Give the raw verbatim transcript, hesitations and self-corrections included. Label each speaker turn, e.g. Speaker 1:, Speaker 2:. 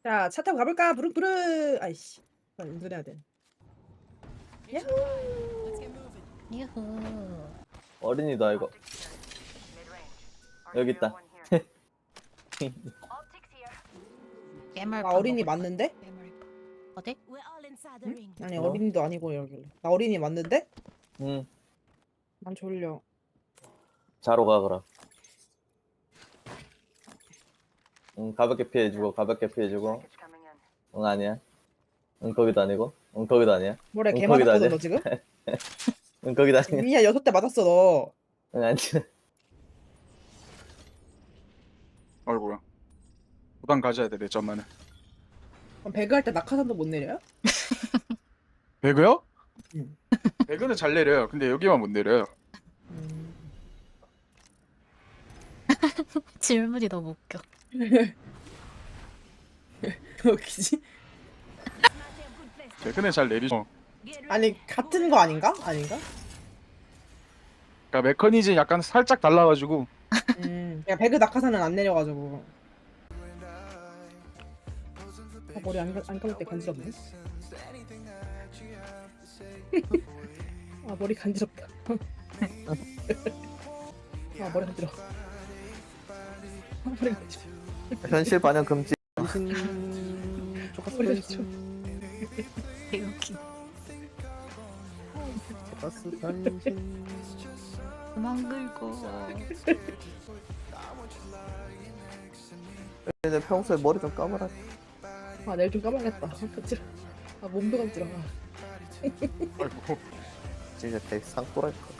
Speaker 1: 자, 차 타고 가볼까? 부릉부릉. 아이씨, 나 운전해야 돼. 야호.
Speaker 2: 유후.
Speaker 3: 어린이다 이거. 여기 있다.
Speaker 2: 깨물.
Speaker 1: 나 어린이 맞는데?
Speaker 2: 어디?
Speaker 1: 응? 아니
Speaker 3: 뭐?
Speaker 1: 어린이도 아니고 여기. 나 어린이 맞는데?
Speaker 3: 응.
Speaker 1: 난 졸려.
Speaker 3: 자로 가 그럼. 응 가볍게 피해주고 가볍게 피해주고. 응 아니야. 응 거기도 아니고. 응 거기도 아니야.
Speaker 1: 뭐래
Speaker 3: 응,
Speaker 1: 개
Speaker 3: 거기도
Speaker 1: 맞았거든
Speaker 3: 아니야.
Speaker 1: 너 지금?
Speaker 3: 응 거기도 아니야.
Speaker 1: 미야 여섯 대 맞았어 너.
Speaker 3: 응 아니야.
Speaker 4: 아이고야. 부담 가져야 돼, 내 점만은.
Speaker 1: 그럼 배그 할 때 낙하산도 못 내려요?
Speaker 4: 배그요?
Speaker 1: 응.
Speaker 4: 배그는 잘 내려요. 근데 여기만 못 내려요.
Speaker 1: 음.
Speaker 2: 질문이 너무 웃겨.
Speaker 1: 웃기지?
Speaker 4: 배그는 잘 내리죠.
Speaker 1: 아니 같은 거 아닌가? 아닌가?
Speaker 4: 그러니까 메커니즘 약간 살짝 달라가지고.
Speaker 1: 음. 야 배그 낙하산은 안 내려가지고. 아, 머리 안, 감- 안 감을 때 간지럽네. 아 머리 간지럽다. 아 머리 간지러. 아 머리 간지러.
Speaker 3: 현실 반영 금지.
Speaker 1: 머리 간지러.
Speaker 2: 개웃기.
Speaker 3: 가스 변신.
Speaker 2: 그만 긁어.
Speaker 3: 이제 평소에 머리 좀 감아라.
Speaker 1: 아 내일 좀 감아야겠다. 아 간지러. 아 몸도 간지러. 아.
Speaker 4: 아이고.
Speaker 3: 진짜 되게 상또랄 거.